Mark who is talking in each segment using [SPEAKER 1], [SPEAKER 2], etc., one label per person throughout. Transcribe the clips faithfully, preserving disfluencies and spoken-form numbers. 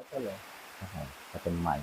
[SPEAKER 1] ก็เลย
[SPEAKER 2] จะเป็นใหม่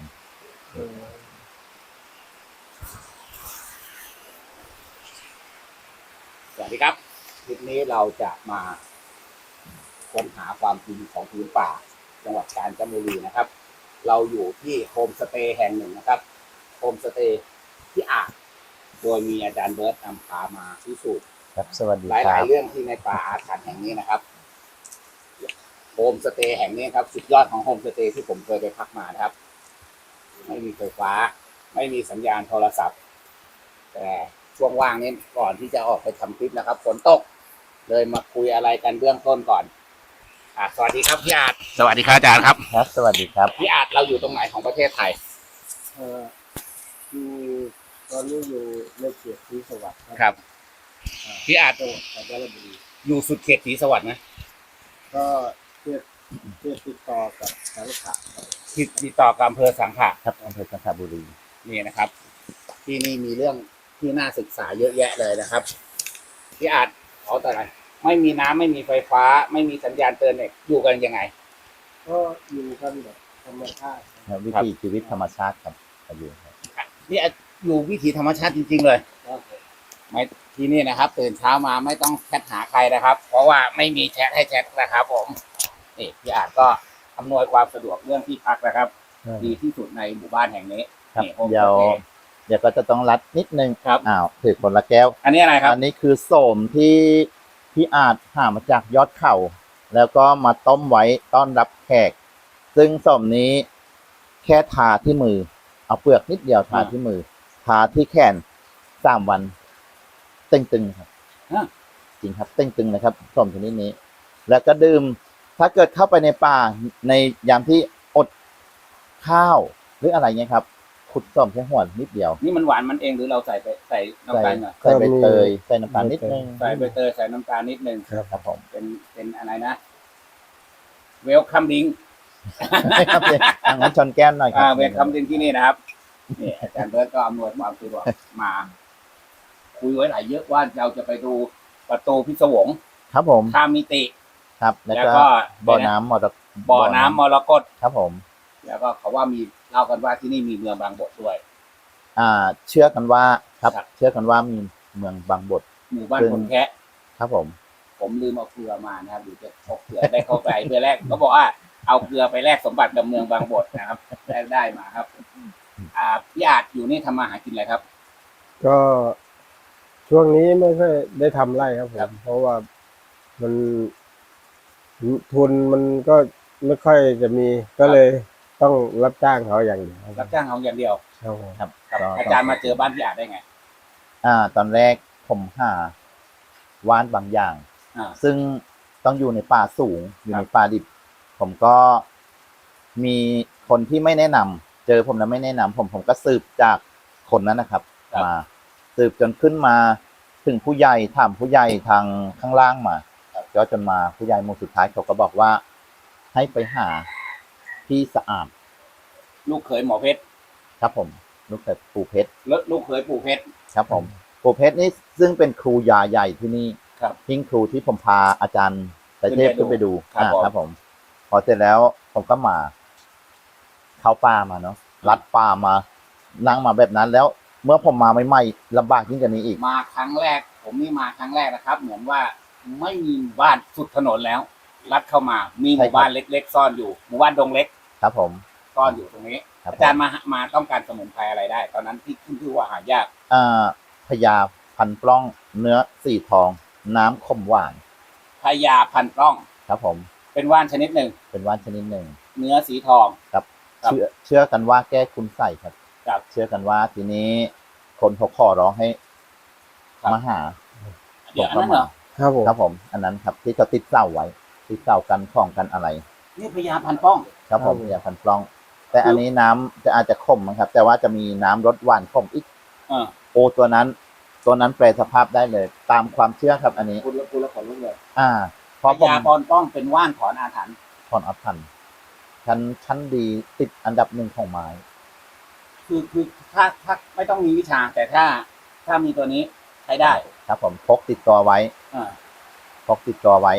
[SPEAKER 3] สวัสดีครับคลิปนี้เราจะมาค้นหาความจริงของพื้นป่าจังหวัดกาญจนบุรีนะครับเราอยู่ที่โฮมสเตย์แห่งหนึ่งนะครับโฮมสเตย์ที่อ่างโดยมีอาจารย์เบิร์ตนำพามาพิสูจน์
[SPEAKER 2] ครับสวัสดี
[SPEAKER 3] ห
[SPEAKER 2] ค
[SPEAKER 3] ลา
[SPEAKER 2] รั
[SPEAKER 3] ย
[SPEAKER 2] บ
[SPEAKER 3] ๆเรื่องที่ในป่าอาถรรพ์แห่งนี้นะครับโฮมสเตย์แห่งนี้ครับสุดยอดของโฮมสเตย์ที่ผมเคยไปพักมานะครับไม่มีไฟฟ้าไม่มีสัญญาณโทรศัพท์แต่ช่วงว่างนี้ก่อนที่จะออกไปทำคลิปนะครับฝนตกเลยมาคุยอะไรกันเบื้องต้นก่อนอ่ะสวัสดีครับพี่อาจสวัสดีครับอาจารย์ครับ
[SPEAKER 2] ครับสวัสดีครับ
[SPEAKER 3] พี่อาจเราอยู่ตรงไหนของประเทศไทย
[SPEAKER 1] เอ่ออยู่ตอนนี้อยู่ในเขตศรีสวัสดิ์
[SPEAKER 3] ครับพี่อาจ
[SPEAKER 1] จังหวัดกาญจนบุรี
[SPEAKER 3] อยู่สุดเขตศรีสวัสดิ์นะ
[SPEAKER 1] ก็เขตเขตติดต่อกับสังขะครับ
[SPEAKER 3] ติดติดต่อกับอำเภอสังขะ
[SPEAKER 2] ครับอำเภอสังขบุรี
[SPEAKER 3] นี่นะครับ ที่นี่มีเรื่องที่น่าศึกษาเยอะแยะเลยนะครับพี่อาจขอแต่อะไรไม่มีน้ำไม่มีไฟฟ้า ไม่มีสัญญาณเตือนเน็ตอยู่กันยังไง
[SPEAKER 1] ก็อยู่กันแบบธรรมชาติครับ
[SPEAKER 2] วิถีชีวิตธรรมชาติครับอยู่ครับ
[SPEAKER 3] นี่อยู่วิถีธรรมชาติจริงๆเลย
[SPEAKER 1] ครับผม
[SPEAKER 3] ไม่ที่นี่นะครับตื่นเช้ามาไม่ต้องแชทหาใครนะครับ เพราะว่าไม่มีแชทให้แชทนะครับผมนี่พี่อาจก็อำนวยความสะดวกเรื่องที่พักนะครับ ดีที่สุดในหมู่บ้านแห่งนี้
[SPEAKER 2] ครับ
[SPEAKER 3] นี่โฮมส
[SPEAKER 2] เดี๋ยว
[SPEAKER 3] เตย์
[SPEAKER 2] เดี๋ยวก็จะต้องรัดนิดนึง
[SPEAKER 3] ครับ
[SPEAKER 2] อ้าวถือคนละแก้ว
[SPEAKER 3] อันนี้อะไรครับ
[SPEAKER 2] อันนี้คือโสมที่พี่อาจหามาจากยอดเขา แล้วก็มาต้มไว้ต้อนรับแขก ซึ่งโสมนี้แค่ทาที่มือ เอาเปลือกนิดเดียวทาที่มือ ทาที่แขนสามวันตึงๆครับ
[SPEAKER 3] อ่ะ
[SPEAKER 2] จริงครับตึงๆนะครับโสมชนิดนี้ แล้วก็ดื่มถ้าเกิดเข้าไปในป่าในยามที่อดข้าวหรืออะไรเงี้ยครับขุดโสมแค่หัวนิดเดียว
[SPEAKER 3] นี่มันหวานมันเองหรือเราใส่ไปใส่น้ำ
[SPEAKER 2] ใส่
[SPEAKER 3] ตาลหน่อย
[SPEAKER 2] ใส่ใบเตยใส่น้ำตาลนิดนึง
[SPEAKER 3] ใส่ใบเตยใส่น้ำตาลนิดนึง
[SPEAKER 2] ครับผม
[SPEAKER 3] เป็นเป็นอะไรนะเวลคัมดิง
[SPEAKER 2] ครับเดี๋ยวอ่ะงั้นชนแก้มหน่อยครั
[SPEAKER 3] อ่าเวลคัมดิงที่นี่นะครับนี่อาจารย์เบิร์ตก็อำนวยความสะดวกมาคุยไว้หลายเยอะว่าเราจะไปดูประตูพิศวง
[SPEAKER 2] ครับผม
[SPEAKER 3] ข้ามมิติ
[SPEAKER 2] ครับ แล้ว
[SPEAKER 3] แล้ว
[SPEAKER 2] ก็
[SPEAKER 3] ก็
[SPEAKER 2] บ่อน้ำมรดก
[SPEAKER 3] บ่อน้ำมรกต
[SPEAKER 2] ครับผม
[SPEAKER 3] แล้วก็เขาว่ามีเล่ากันว่าที่นี่มีเมืองบางบทด้วย
[SPEAKER 2] อ่า เชื่อกันว่าครับ
[SPEAKER 3] ครับ
[SPEAKER 2] เชื่อกันว่ามีเมืองบางบท
[SPEAKER 3] หมู่บ้าน
[SPEAKER 2] ซึ่ง
[SPEAKER 3] คนแคะ
[SPEAKER 2] ครับผม
[SPEAKER 3] ผมลืมเอาเกลือมานะครับหรือจะพกเกลือได้เข้าไปเกลือแรกเขาบอกว่าเอาเกลือไปแลกสมบัติกับเมืองบางบทนะครับ ได้ได้มาครับ อ่าพี่อาจอยู่นี่ทำมาหากินอะไรครับ
[SPEAKER 1] ก็ช่วงนี้ไม่ค่อยได้ทำไร่ครับผ
[SPEAKER 3] ครั
[SPEAKER 1] ม
[SPEAKER 3] บ
[SPEAKER 1] เพราะว่ามันทุนมันก็ไม่ค่อยจะมีก็เลยต้องรับจ้างเขาอย่างเดียวค
[SPEAKER 3] รั
[SPEAKER 1] รั
[SPEAKER 3] บบ จ้างเขาอย่างเดียว
[SPEAKER 1] ครับผม
[SPEAKER 2] ครับ
[SPEAKER 3] ครับ
[SPEAKER 2] ก็
[SPEAKER 3] อาจารย์มาเจอบ้านพี่อาจได้ไง
[SPEAKER 2] อ่า ตอนแรกผมหาว่านบางอย่าง
[SPEAKER 3] อ่า
[SPEAKER 2] ซึ่งต้องอยู่ในป่าสูง อยู่
[SPEAKER 3] ครับ
[SPEAKER 2] ในป่าดิบ ผมก็มีคนที่ไม่แนะนำเจอผมแล้วไม่แนะนำผมผมก็สืบจากคนนั้นนะครับ มาสืบจนขึ้นมาถึงผู้ใหญ่ถามผู้ใหญ่ทางข้างล่างมาก็จนมาผู้ใหญ่หมู่สุดท้ายเขาก็บอกว่า ให้ไปหาที่สะอาด
[SPEAKER 3] ลูกเขยหมอเพชร
[SPEAKER 2] ครับผมลูกเขยปูเพชร
[SPEAKER 3] แล้วลูกเขยปู่เพชร
[SPEAKER 2] ครับผมปูเพชรนี่ซึ่งเป็นครูยาใหญ่ที่นี่
[SPEAKER 3] ครับ
[SPEAKER 2] ทิ้งครูที่ผมพาอาจารย์แต่เทพ
[SPEAKER 3] ขึ้
[SPEAKER 2] ขึ้
[SPEAKER 3] น
[SPEAKER 2] น
[SPEAKER 3] ไป
[SPEAKER 2] ไป
[SPEAKER 3] ดู
[SPEAKER 2] ดู
[SPEAKER 3] ครับ
[SPEAKER 2] อ่า
[SPEAKER 3] ผม
[SPEAKER 2] ครับผม พอเสร็จแล้วผมก็มา เข้าป่ามาเนาะลัดป่ามา นั่งมาแบบนั้นแล้ว เมื่อผมมาใหม่ๆลำบากยิ่งกว่านี้อีก
[SPEAKER 3] มาครั้งแรก ผมนี่มาครั้งแรกนะครับ เหมือนว่าไม่มีหมู่บ้านสุดถนนแล้ว ลัดเข้ามามีหมู่บ้านเล็ก ๆ ซ่อนอยู่หมู่บ้านดงเล็ก
[SPEAKER 2] ครับผม
[SPEAKER 3] ซ่อนอยู่ตรงนี้
[SPEAKER 2] ครับ
[SPEAKER 3] อาจารย์มามาต้องการสมุนไพรอะไรได้ ตอนนั้นที่ขึ้นชื่อว่าหายาก
[SPEAKER 2] อ่าพญาพันปล้องเนื้อสีทอง น้ำขมหวาน
[SPEAKER 3] พญาพันปล้อง
[SPEAKER 2] ครับผม
[SPEAKER 3] เป็นว่านชนิดหนึ่ง
[SPEAKER 2] เป็นว่านชนิดหนึ่ง
[SPEAKER 3] เนื้อสีทอง
[SPEAKER 2] ครับ
[SPEAKER 3] ครับ
[SPEAKER 2] เชื่อเชื่อกันว่าแก้คุณใส่ครับ
[SPEAKER 3] ครับ
[SPEAKER 2] เชื่อกันว่าทีนี้คนเขาขอร้องให้
[SPEAKER 3] ครับ
[SPEAKER 2] มาหา
[SPEAKER 3] เดี๋ยวอันนั้นเหรอ
[SPEAKER 1] ครับผม
[SPEAKER 2] ครับผม อันนั้นครับที่เขาติดเสาไว้ติดเสากันของกันอะไร
[SPEAKER 3] นี่พญาพันปล้อง
[SPEAKER 2] ครับผม
[SPEAKER 1] ครับผม
[SPEAKER 2] อย่าพันปล้อง แต่อันนี้น้ำจะอาจจะขมนะครับ แต่ว่าจะมีน้ำรสหวานขมอีก
[SPEAKER 3] เออ
[SPEAKER 2] โอตัวนั้น ตัวนั้นแปลสภาพได้เลย ตามความเชื่อครับ อันนี้
[SPEAKER 3] คุณละคุณละขนลุกเลย
[SPEAKER 2] อ่าเพ
[SPEAKER 3] พ
[SPEAKER 2] ราะผม
[SPEAKER 3] ญาพันปล้องเป็นว่านถอนอาถรรพ์
[SPEAKER 2] ถอนอัพพันชั้นชั้นดีติดอันดับหนึ่งของไม้
[SPEAKER 3] คือคือถ้าถ้าไม่ต้องมีวิชา แต่ถ้าถ้ามีตัวนี้ใช้ได้
[SPEAKER 2] ครับผมพกติดตัวไว้
[SPEAKER 3] อ่า
[SPEAKER 2] พกติดตัวไว้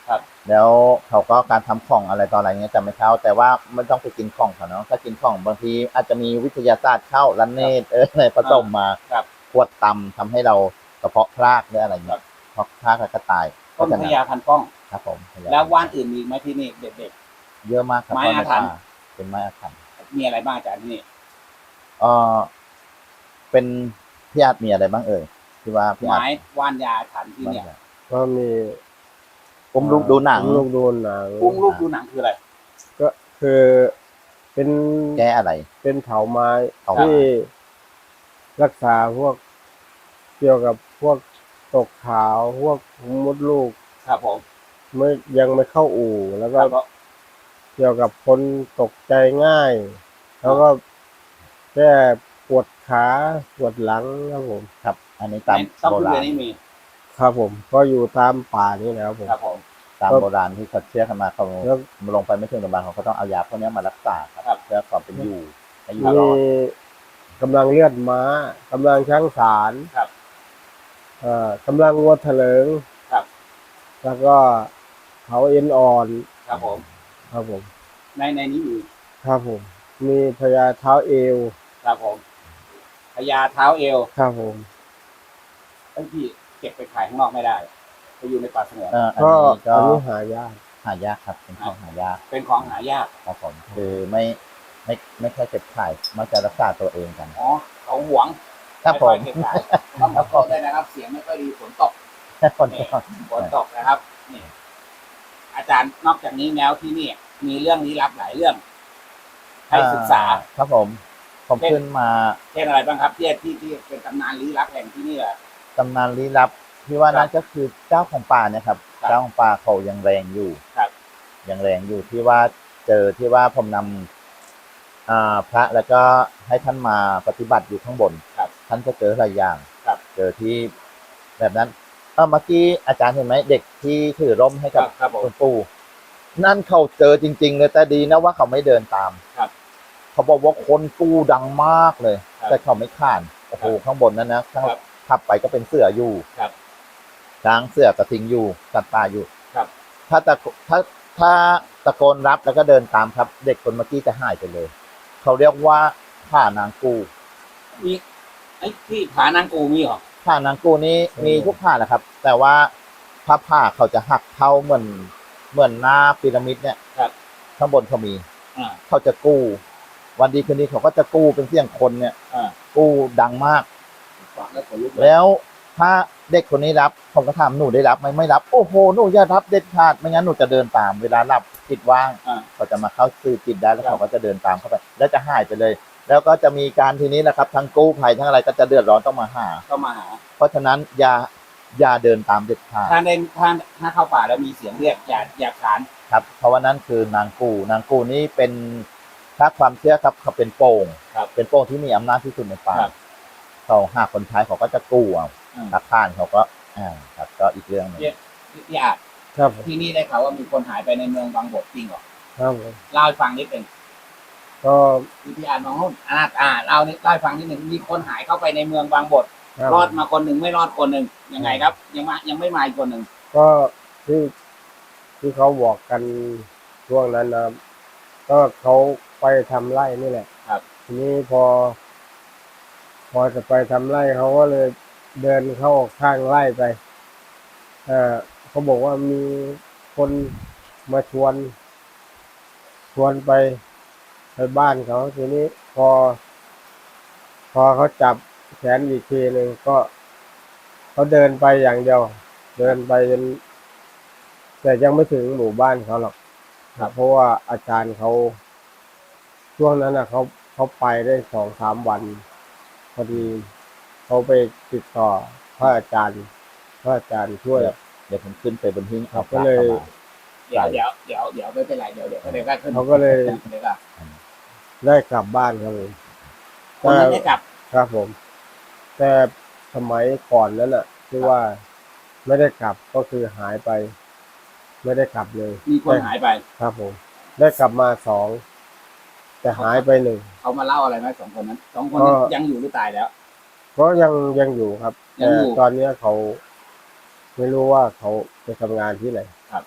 [SPEAKER 3] ครับ
[SPEAKER 2] แล้วเขาก็การทำของอะไรต่ออะไรเงี้ยจะไม่เข้าแต่ว่าไม่ต้องไปกินของเขาเนาะถ้ากินของบางทีอาจจะมีวิทยาศาสตร์เข้าลันเนตเอออะไรผสมมา
[SPEAKER 3] ครับ
[SPEAKER 2] ขวดตำทำให้เรากระเพาะพลากหรืออะไร
[SPEAKER 3] ครั
[SPEAKER 2] เงี้
[SPEAKER 3] บ
[SPEAKER 2] ยเพราะพลากแล้วก็ตาย
[SPEAKER 3] ต้นพญาพันป้อง
[SPEAKER 2] ครับผมพญ
[SPEAKER 3] แล้วว่านอื่นมีไหมที่นี่เด็ด
[SPEAKER 2] เยอะมากครับ
[SPEAKER 3] ไม้อาถรรพ์
[SPEAKER 2] เพราะในป่าเป็นไม้อาถรรพ์
[SPEAKER 3] ๆมีอะไรบ้างอาจารย์ที่นี่
[SPEAKER 2] เออเป็นพี่อาจมีอะไรบ้างเอ่ยที่ว่าพี่อาจ
[SPEAKER 3] ไม้ว่านยาอาถรรพ์ที่เนี่ย
[SPEAKER 1] ก็มี
[SPEAKER 2] อุ้มลูกดูหนัง
[SPEAKER 1] อุ้มลูกดูหนัง
[SPEAKER 3] อุ้งลูกดูหนังคืออะไร
[SPEAKER 1] ก็คือเป็น
[SPEAKER 2] แก้อะไร
[SPEAKER 1] เป็นเถาไม้
[SPEAKER 2] เถาไม้
[SPEAKER 1] ที่รักษาพวกเกี่ยวกับพวกตกขาวพวกมดลูก
[SPEAKER 3] ครับผม
[SPEAKER 1] ไม่ยังไม่เข้าอู่ แล้ว
[SPEAKER 3] ค
[SPEAKER 1] ก็
[SPEAKER 3] รับ
[SPEAKER 1] เกี่ยวกับคนตกใจง่าย แล้วก็แก้ปวดขาปวดหลังครับผม
[SPEAKER 2] ครับ อันนี้ตาม
[SPEAKER 3] ต้อง
[SPEAKER 2] โบ
[SPEAKER 3] คุณ
[SPEAKER 2] รา
[SPEAKER 3] เรีย
[SPEAKER 2] ณ
[SPEAKER 3] นนี่มี
[SPEAKER 1] ครับผม ก็อยู่ตามป่านี่นะครับผม
[SPEAKER 3] ครับผม
[SPEAKER 2] ตาม
[SPEAKER 1] ครับ
[SPEAKER 2] โบราณที่เขาเชื่อกันมาเขา
[SPEAKER 1] แล้ว
[SPEAKER 2] ลงไปไม่ถึงโรงพยาบาลเขาก็ต้องเอายาพวกนี้มารักษาครับ
[SPEAKER 3] ครับ
[SPEAKER 2] เพื่อความเป็นอยู่ให้อยู่
[SPEAKER 1] มี
[SPEAKER 2] รอด
[SPEAKER 1] กำลังเลือดม้ากำลังช้างสาร
[SPEAKER 3] ครับ
[SPEAKER 1] เอ่อกำลังวัวเถลิง
[SPEAKER 3] ครับ
[SPEAKER 1] แล้วก็เขาเอ็นอ่อน
[SPEAKER 3] ครับผม
[SPEAKER 1] ครับผม
[SPEAKER 3] ในในนี้มี
[SPEAKER 1] ครับผม มีพญาเท้าเอว
[SPEAKER 3] ครับผมพญาเท้าเอว
[SPEAKER 1] ครับผม
[SPEAKER 3] ไอ้ที่เก็บไปขายข้างนอกไม่ได้ไปอยู่ในป่าสงวน
[SPEAKER 2] เอ่ออัน
[SPEAKER 1] ก็
[SPEAKER 2] นี้ก็
[SPEAKER 1] อันนี้หายาก
[SPEAKER 2] หายากครับเป็นของหายาก
[SPEAKER 3] เป็นของหายาก
[SPEAKER 2] ครับผมคือไม่ไม่ไม่แค่เก็บขายมักจะรักษาตัวเองกัน
[SPEAKER 3] อ๋อเขาหวง
[SPEAKER 2] ครับผม
[SPEAKER 3] ไค่อยเก็บขายต้องขอโทษด้วยนะครับ เสียงไม่ค่อยดีฝนตก
[SPEAKER 2] คน
[SPEAKER 3] นี่ฝนตกนะครับนี่อาจารย์นอกจากนี้แล้วที่นี่ มีเรื่องลี้ลับหลายเรื่อง ให้ศึกษา
[SPEAKER 2] ครับผมผมขึ้นมา
[SPEAKER 3] เช่นอะไรบ้างครับที่ที่ที่เป็นตำนานลี้ลับแห่งที่นี่แหละ
[SPEAKER 2] ตำนานลี้ลับที่ว่า
[SPEAKER 3] ครับ
[SPEAKER 2] นั่นก็คือเจ้าของป่าเนี่ยครับ
[SPEAKER 3] ครับ
[SPEAKER 2] เจ้าของป่าเขายังแรงอยู่
[SPEAKER 3] ครับ
[SPEAKER 2] ยังแรงอยู่ที่ว่าเจอที่ว่าผมนำอ่าพระแล้วก็ให้ท่านมาปฏิบัติอยู่ข้างบน
[SPEAKER 3] ครับ
[SPEAKER 2] ท่านก็เจอหลายอย่าง
[SPEAKER 3] ครับ
[SPEAKER 2] เจอที่แบบนั้นเออเมื่อกี้อาจารย์เห็นไหมเด็กที่ถือร่มให้
[SPEAKER 3] ครั
[SPEAKER 2] กับบ
[SPEAKER 3] ครับผม
[SPEAKER 2] คุณปู่นั่นเขาเจอจริง ๆ เลยแต่ดีนะว่าเขาไม่เดินตาม
[SPEAKER 3] ครับ
[SPEAKER 2] เขาบอกว่าคนกู้ดังมากเลย
[SPEAKER 3] ครับ
[SPEAKER 2] แต่เขาไม่ข้านโอ้โห
[SPEAKER 3] ครับ
[SPEAKER 2] ข้างบนนั้นนะข้าง
[SPEAKER 3] ครับ
[SPEAKER 2] ขับไปก็เป็นเสืออยู่
[SPEAKER 3] ครับ
[SPEAKER 2] ช้างเสือกระทิงอยู่สัตว์ป่าอยู่
[SPEAKER 3] ครับ
[SPEAKER 2] ถ้าตะโกถ้าถ้าตะโกนรับแล้วก็เดินตามครับ เด็กคนเมื่อกี้จะหายไปเลย เขาเรียกว่าผ่านางกู
[SPEAKER 3] มีไอ้ที่ผานางกูมีเหรอ
[SPEAKER 2] ผ่านางกูนี้มีทุกผ่าแหละครับ แต่ว่าถ้าผ่าเขาจะหักเข้าเหมือนเหมือนหน้าพีระมิดเนี่ย
[SPEAKER 3] ครับ
[SPEAKER 2] ข้างบนเขามี
[SPEAKER 3] อ่า
[SPEAKER 2] เขาจะกู้ วันดีคืนดีเขาก็จะกู้เป็นเสียงคนเนี่ย
[SPEAKER 3] อ่า
[SPEAKER 2] กู้ดังมาก
[SPEAKER 3] ฟังแล้วขนลุกเลย
[SPEAKER 2] แล้วถ้าเด็กคนนี้รับผมก็ถามหนูได้รับไหมไม่รับโอ้โหหนูอย่ารับเด็ดขาดไม่งั้นหนูจะเดินตาม เวลาหลับจิตว่าง
[SPEAKER 3] อ่า
[SPEAKER 2] เขาจะมาเข้าสื่อจิตได้แล้ว
[SPEAKER 3] ครับ
[SPEAKER 2] เขาก็จะเดินตามเข้าไป แล้วจะหายไปเลย แล้วก็จะมีการทีนี้นะครับทั้งกู้ภัยทั้งอะไรก็จะเดือดร้อนต้องมาหา
[SPEAKER 3] ก็มาหา
[SPEAKER 2] เพราะฉะนั้นอย่าอย่าเดินตามเด็ดขาด
[SPEAKER 3] ถ้าได้ถ้าถ้าเข้าป่าแล้วมีเสียงเรียกอย่าอย่าขาน
[SPEAKER 2] ครับเพราะว่านั่นคือนางกูนางกูนี่เป็นถ้าความเชื่อครับเขาเป็นโป่ง
[SPEAKER 3] ครับ
[SPEAKER 2] เป็นโป่งที่มีอำนาจที่สุดในป่า
[SPEAKER 3] ครับ
[SPEAKER 2] เขาหาคนใช้เขาก็จะกู้เอา
[SPEAKER 3] อืม
[SPEAKER 2] ถ้าข้านเขาก็อ่าครับก็อีกเรื่องหนึง
[SPEAKER 3] พี่พี่อาจ
[SPEAKER 1] ครับผม
[SPEAKER 3] ที่นี่ได้ข่าวว่ามีคนหายไปในเมืองบางบทจริงเหรอ
[SPEAKER 1] ครับผม
[SPEAKER 3] เล่าให้ฟังนิดหนึ่ง
[SPEAKER 1] ก็
[SPEAKER 3] พี่พี่อาจมองนู่นอ่าอ่าเล่านิดเล่าให้ฟังนิดหนึ่งมีคนหายเข้าไปในเมืองบางบท
[SPEAKER 1] ครับ
[SPEAKER 3] รอดมาคนหนึ่งไม่รอดคนหนึ่งยังไงครับ ยังมายังไม่มาอีกคนหนึ่ง
[SPEAKER 1] ก็ที่ที่เขาบอกกันช่วงนั้นนะครับก็เขาไปทำไร่นี่แหละ
[SPEAKER 3] ครับ
[SPEAKER 1] ทีนี้พอ พอจะไปทำไร่เขาก็เลยเดินเข้าข้างไร่ไปเออเขาบอกว่ามีคนมาชวน ชวนไปไปบ้านเขาทีนี้พอ พอเขาจับแขนอีกทีหนึ่งก็เขาเดินไปอย่างเดียว เดินไปจนแต่ยังไม่ถึงหมู่บ้านเขาหรอกครับเพราะว่าอาจารย์เขาช่วงนั้นนะเขาเขาไปได้สองสามวัน พอดีเขาไปติดต่อพระอาจารย์พระอาจารย์ช่วย
[SPEAKER 2] เดี๋ยวผมขึ้นไปบนหิ้ง
[SPEAKER 1] ครับ
[SPEAKER 2] พระ
[SPEAKER 1] ก็เลย
[SPEAKER 2] ข้ามา
[SPEAKER 3] เดี๋ยวเดี๋ยวเดี๋ยวเดี๋ยวไม่เป็นไรเดี๋ยวเดี๋ยวเดี๋ยวก็ขึ้น
[SPEAKER 1] เขาก็เลย
[SPEAKER 3] เดี๋ยวก็
[SPEAKER 1] ได้กลับบ้านครับผม
[SPEAKER 3] คนนั้นได้กลับ
[SPEAKER 1] ครับผม แต่สมัยก่อนนั้นน่ะที่ว่าไม่ได้กลับก็คือหายไป ไม่ได้กลับเลย
[SPEAKER 3] มีคนหายไป
[SPEAKER 1] ครับผม ได้กลับมาสองแต่หายไปหนึ่ง
[SPEAKER 3] เขามาเล่าอะไรไหมสองคนนั้นสองคนนั้น
[SPEAKER 1] ก็
[SPEAKER 3] ยังอยู่หรือตายแล้ว
[SPEAKER 1] ก็ยังยังอยู่ครับ
[SPEAKER 3] ยัง
[SPEAKER 1] แต่
[SPEAKER 3] อยู่
[SPEAKER 1] ตอนเนี้ยเขาไม่รู้ว่าเขาไปทำงานที่ไหน
[SPEAKER 3] ครับ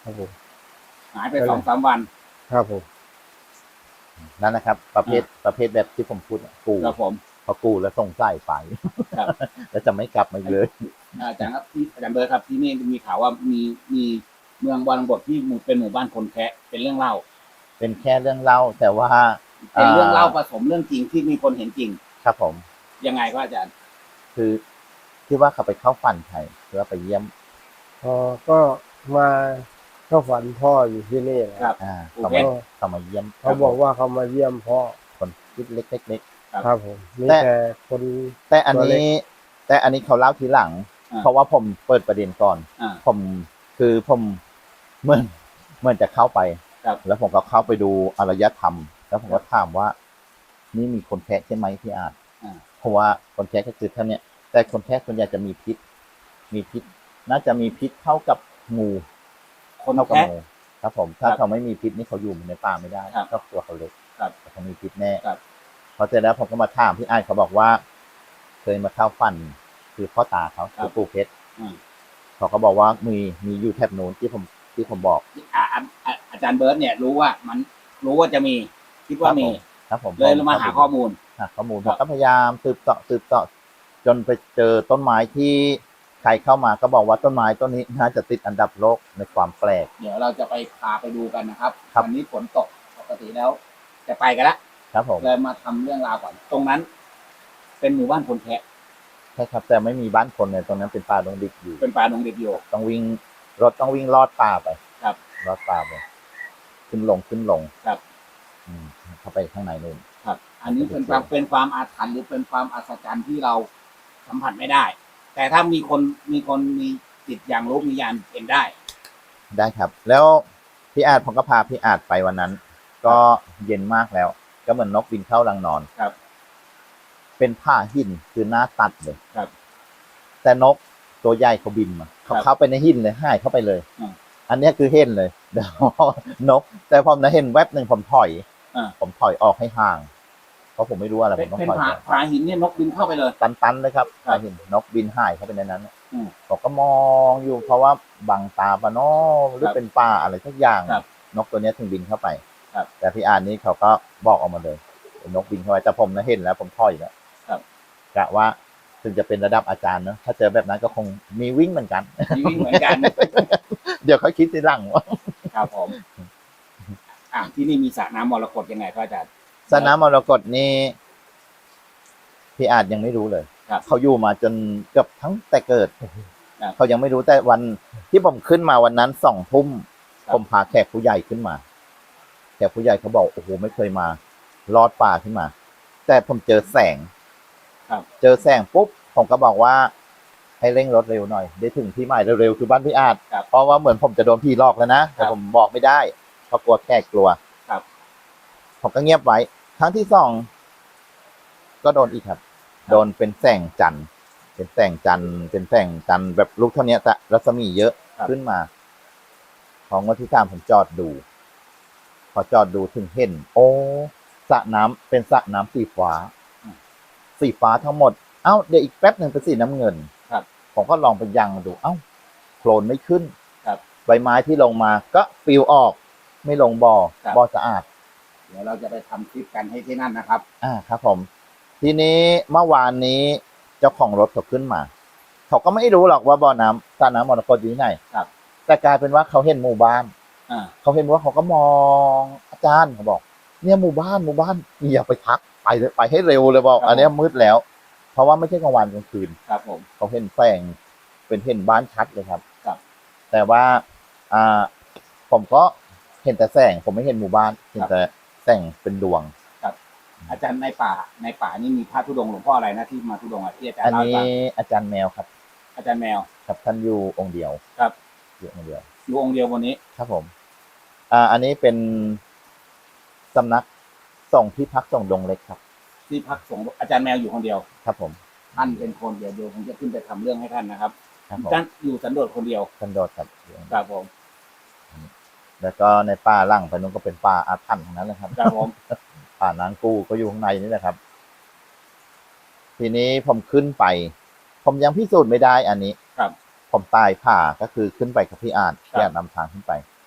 [SPEAKER 1] ครับผม
[SPEAKER 3] หายไปสองสามวัน
[SPEAKER 1] ครับผม
[SPEAKER 2] นั่นนะครับ ประเภทประเภทแบบที่ผมพูดกู
[SPEAKER 3] ครับผม
[SPEAKER 2] พอกูแล้วส่งสายไป
[SPEAKER 3] ครับ
[SPEAKER 2] แล้วจะไม่กลับมาอีกเลย
[SPEAKER 3] อาจารย์ครับที่อาจารย์เบิร์ดครับที่นี่มีข่าวว่ามีมีเมืองบางบทที่หมู่เป็นหมู่บ้านคนแคะเป็นเรื่องเล่า
[SPEAKER 2] เป็นแค่เรื่องเล่าแต่ว่า
[SPEAKER 3] เป็นเรื่องเล่าผสมเรื่องจริงที่มีคนเห็นจริง
[SPEAKER 2] ครับผม
[SPEAKER 3] ยังไงครับอาจารย์
[SPEAKER 2] คือที่ว่าเขาไปเข้าฝันใครคือว่าไปเยี่ยม
[SPEAKER 1] พอก็มาเข้าฝันพ่ออยู่ที่นี่แหละ
[SPEAKER 3] ครับ
[SPEAKER 2] อ่า
[SPEAKER 3] โอ
[SPEAKER 2] เขา
[SPEAKER 3] เค
[SPEAKER 2] มาเขามาเยี่ยม
[SPEAKER 1] เขาบอกว่าเขามาเยี่ยมพ่อ
[SPEAKER 2] คนคิดเล็กๆเล็ก
[SPEAKER 1] ครับผมมี
[SPEAKER 2] แต่
[SPEAKER 1] แต่คน
[SPEAKER 2] ๆแต่อัน
[SPEAKER 1] ตัวเล็
[SPEAKER 2] นี้
[SPEAKER 1] ก
[SPEAKER 2] แต่อันนี้เขาเล่าทีหลัง
[SPEAKER 3] อ่า
[SPEAKER 2] เพราะว่าผมเปิดประเด็นก่อน
[SPEAKER 3] อ่า
[SPEAKER 2] ผมคือผมเหมือนเหมือนจะเข้าไป
[SPEAKER 3] ครับ
[SPEAKER 2] แล้วผมก็เข้าไปดูอารยธรรม แล้วผมก็ถามว่า นี่มีคนแคะใช่ไหมพี่อาจ
[SPEAKER 3] อ่า
[SPEAKER 2] เพราะว่าคนแคะก็คือท่านเนี่ย แต่คนแคะส่วนใหญ่จะมีพิษ มีพิษ น่าจะมีพิษเท่ากับงู
[SPEAKER 3] คน
[SPEAKER 2] เท่ากับ
[SPEAKER 3] แคะ
[SPEAKER 2] งูครับผม ถ้า
[SPEAKER 3] ครับ
[SPEAKER 2] เขาไม่มีพิษนี่เขาอยู่ในป่าไม่ได้
[SPEAKER 3] ครับ
[SPEAKER 2] ครอบครัวเขาเล็ก
[SPEAKER 3] ครับ
[SPEAKER 2] แต่เขามีพิษแน่
[SPEAKER 3] ครับ
[SPEAKER 2] พอเสร็จแล้วผมก็มาถามพี่อาจเขาบอกว่า เคยมาเข้าฝันคือพ่อตาเขาคือปู่เพชร
[SPEAKER 3] อืม
[SPEAKER 2] เขาก็บอกว่ามีมีอยู่แถบนู้นที่ผมที่ผมบอก
[SPEAKER 3] อ่าอ่าอ่าอาจารย์เบิร์ดเนี่ยรู้ว่ามันรู้ว่าจะมี คิดว่ามี
[SPEAKER 2] ครับผม
[SPEAKER 3] เลยมาหาข้อมูล
[SPEAKER 2] หาข้อมูล
[SPEAKER 3] ครั
[SPEAKER 2] ผ
[SPEAKER 3] บ
[SPEAKER 2] มก็พยายามสืบเสาะสืบเสาะจนไปเจอต้นไม้ที่ใครเข้ามาก็บอกว่าต้นไม้ต้นนี้น่าจะติดอันดับโลกในความแปลก
[SPEAKER 3] เดี๋ยวเราจะไปพาไปดูกันนะครับ
[SPEAKER 2] ครับ
[SPEAKER 3] วันนี้ฝนตกปกติแล้ว จะไปกันละ
[SPEAKER 2] ครับผม
[SPEAKER 3] เลยมาทำเรื่องราวก่อน ตรงนั้น เป็นหมู่บ้านคนแคะ
[SPEAKER 2] ใช่ครับแต่ไม่มีบ้านคนเลยตรงนั้นเป็นป่าดงดิบอยู่
[SPEAKER 3] เป็นป่าดงเด็ดโยก
[SPEAKER 2] ต้องวิ่งรถต้องวิ่งลอดป่าไป
[SPEAKER 3] ครับ
[SPEAKER 2] ลอดป่าไปขึ้นลงขึ้นลง
[SPEAKER 3] ครับ
[SPEAKER 2] อืมเข้าไปข้างในนู่น
[SPEAKER 3] ครับ อันนี้เป็นความเป็นความอาถรรพ์หรือเป็นความอัศจรรย์ที่เราสัมผัสไม่ได้ แต่ถ้ามีคนมีคนมีจิตอย่างรู้มีญาณเห็นได้
[SPEAKER 2] ได้ครับ แล้วพี่อาจผมก็พาพี่อาจไปวันนั้น ก็เย็นมากแล้ว ก็เหมือนนกบินเข้ารังนอน
[SPEAKER 3] ครับ
[SPEAKER 2] เป็นผ้าหินคือหน้าตัดเลย
[SPEAKER 3] ครับ
[SPEAKER 2] แต่นกตัวใหญ่เขาบินมาเขา
[SPEAKER 3] ครับ
[SPEAKER 2] เข้าไปในหินเลยหายเข้าไปเลย
[SPEAKER 3] อืม
[SPEAKER 2] อันเนี้ยคือเห็นเลย เดี๋ยวนก แต่ผมนะเห็นแวบหนึ่งผมถอย
[SPEAKER 3] อ่า
[SPEAKER 2] ผมถอยออกให้ห่าง เพราะผมไม่รู้อะไรผ
[SPEAKER 3] เป็น
[SPEAKER 2] มต้อง
[SPEAKER 3] เป็น
[SPEAKER 2] ถอย
[SPEAKER 3] ผา
[SPEAKER 2] ออก
[SPEAKER 3] ผาหินเนี่ยนกบินเข้าไปเลย
[SPEAKER 2] ตันๆเลยครับ
[SPEAKER 3] ครับ
[SPEAKER 2] เห็นนกบินหายเข้าไปในนั้น
[SPEAKER 3] อืม
[SPEAKER 2] ผมก็มองอยู่เพราะว่าบังตาปะเนอหรือ
[SPEAKER 3] ครับ
[SPEAKER 2] เป็นป่าอะไรสักอย่าง
[SPEAKER 3] ครับ
[SPEAKER 2] นกตัวเนี้ยถึงบินเข้าไป
[SPEAKER 3] ครับ
[SPEAKER 2] แต่พี่อาร์นี้เขาก็บอกออกมาเลยเป็นนกบินเข้าไปแต่ผมนะเห็นแล้วผมถอยแล้ว
[SPEAKER 3] ครับ
[SPEAKER 2] กะว่าถึงจะเป็นระดับอาจารย์เนอะถ้าเจอแบบนั้นก็คงมีวิ่งเหมือนกัน
[SPEAKER 3] มีวิ่งเหมือนกัน
[SPEAKER 2] เดี๋ยวเขาคิดทีหลังว่า
[SPEAKER 3] ครับผม อ่ะที่นี่มีสระน้ำมรกตยังไงครับอาจารย์
[SPEAKER 2] สนามมรกตนี่พี่อาจยังไม่รู้เลย
[SPEAKER 3] ครับ
[SPEAKER 2] เขาอยู่มาจนเกือบทั้งแต่เกิด
[SPEAKER 3] ครับ
[SPEAKER 2] เขายังไม่รู้แต่วันที่ผมขึ้นมาวันนั้นสองทุ่ม
[SPEAKER 3] ครับ
[SPEAKER 2] ผมพาแขกผู้ใหญ่ขึ้นมาแขกผู้ใหญ่เขาบอกโอ้โหไม่เคยมาลอดป่าขึ้นมา แต่ผมเจอแสง
[SPEAKER 3] ครับ
[SPEAKER 2] เจอแสงปุ๊บผมก็บอกว่า ให้เร่งรถเร็วหน่อย ได้ถึงที่หมายเร็วๆคือบ้านพี่อาจ
[SPEAKER 3] ครับ
[SPEAKER 2] เพราะว่าเหมือนผมจะโดนพี่หลอกแล้วนะแต่
[SPEAKER 3] ครับ
[SPEAKER 2] ผมบอกไม่ได้เพราะกลัวแขกกลัว
[SPEAKER 3] ครับ
[SPEAKER 2] ผมก็เงียบไว้ ครั้งที่สองก็โดนอีกครับ โดนเป็นแสงจันทร์เป็นแสงจันทร์เป็นแสงจันทร์แบบลูกเท่านี้แต่รัศมีเยอะ
[SPEAKER 3] ครับ
[SPEAKER 2] ขึ้นมาของวันที่สามผมจอดดู พอจอดดูถึงเห็น โอ้สระน้ำเป็นสระน้ำสีฟ้า สีฟ้าทั้งหมด เอ้าเดี๋ยวอีกแป๊บหนึ่งเป็นสีน้ำเงิน
[SPEAKER 3] ครับ
[SPEAKER 2] ผมก็ลองไปยังดู เอ้าโคลนไม่ขึ้น
[SPEAKER 3] ครับ
[SPEAKER 2] ใบไม้ที่ลงมาก็ปลิวออก ไม่ลงบ่อ
[SPEAKER 3] ครับ
[SPEAKER 2] บ่อสะอาด
[SPEAKER 3] เดี๋ยวเราจะไปทำคลิปกันให้ที่นั่นนะครับ
[SPEAKER 2] อ่าครับผม ทีนี้เมื่อวานนี้เจ้าของรถเขาขึ้นมา เขาก็ไม่รู้หรอกว่าบ่อน้ำสระน้ำมรกตอยู่ที่ไหน
[SPEAKER 3] ครับ
[SPEAKER 2] แต่กลายเป็นว่าเขาเห็นหมู่บ้าน
[SPEAKER 3] อ่า
[SPEAKER 2] เขาเห็นว่าเขาก็มองอาจารย์เขาบอก เนี่ยหมู่บ้านหมู่บ้านอย่าไปทักไปเลยไปให้เร็วเลยบอก อันเนี้ยมืดแล้ว เพราะว่าไม่ใช่กลางวันกลางคืน
[SPEAKER 3] ครับผม
[SPEAKER 2] เขาเห็นแสงเป็นเห็นบ้านชัดเลยครับ
[SPEAKER 3] ครับ
[SPEAKER 2] แต่ว่า อ่า ผมก็เห็นแต่แสง ผมไม่เห็นหมู่บ้าน เห็นแต่แสงเป็นดวง
[SPEAKER 3] อาจารย์ในป่าในป่านี่มีพระธุดงค์หลวงพ่ออะไรนะที่มาธุดงค์อ่ะที่อาจาร
[SPEAKER 2] อั
[SPEAKER 3] ย์
[SPEAKER 2] น
[SPEAKER 3] เล่าให้
[SPEAKER 2] นี้
[SPEAKER 3] ฟัง
[SPEAKER 2] อาจารย์แมวครับ
[SPEAKER 3] อาจารย์แมว
[SPEAKER 2] ครับท่านอยู่องค์เดียว
[SPEAKER 3] ครับ
[SPEAKER 2] อยู่องค์เดียว
[SPEAKER 3] อยู่องค์เดียววันนี้
[SPEAKER 2] ครับผม อ่า อันนี้เป็นสำนักส่งที่พักส่งดงเล็กครับ
[SPEAKER 3] ที่พักสงฆ์อาจารย์แมวอยู่คนเดียว
[SPEAKER 2] ครับผม
[SPEAKER 3] ท่านเป็นคนเดียวเดียวผมจะขึ้นไปทำเรื่องให้ท่านนะครับ
[SPEAKER 2] ครับผม
[SPEAKER 3] ท่านอยู่สันโดษคนเดียว
[SPEAKER 2] ท่านโดดครับ
[SPEAKER 3] ครับผม
[SPEAKER 2] แล้วก็ในป่าหล่างไปนู้นก็เป็นป่าอาถรรพ์ทั้งนั้นเลยครับ
[SPEAKER 3] ครับผม
[SPEAKER 2] ป่านางกู้ก็อยู่ข้างในนี่แหละครับ ทีนี้ผมขึ้นไป ผมยังพิสูจน์ไม่ได้อันนี้
[SPEAKER 3] ครับ
[SPEAKER 2] ผมตายผ่าก็คือขึ้นไปกับพี่อาจ
[SPEAKER 3] ครับ
[SPEAKER 2] พี่อาจนำทางขึ้นไป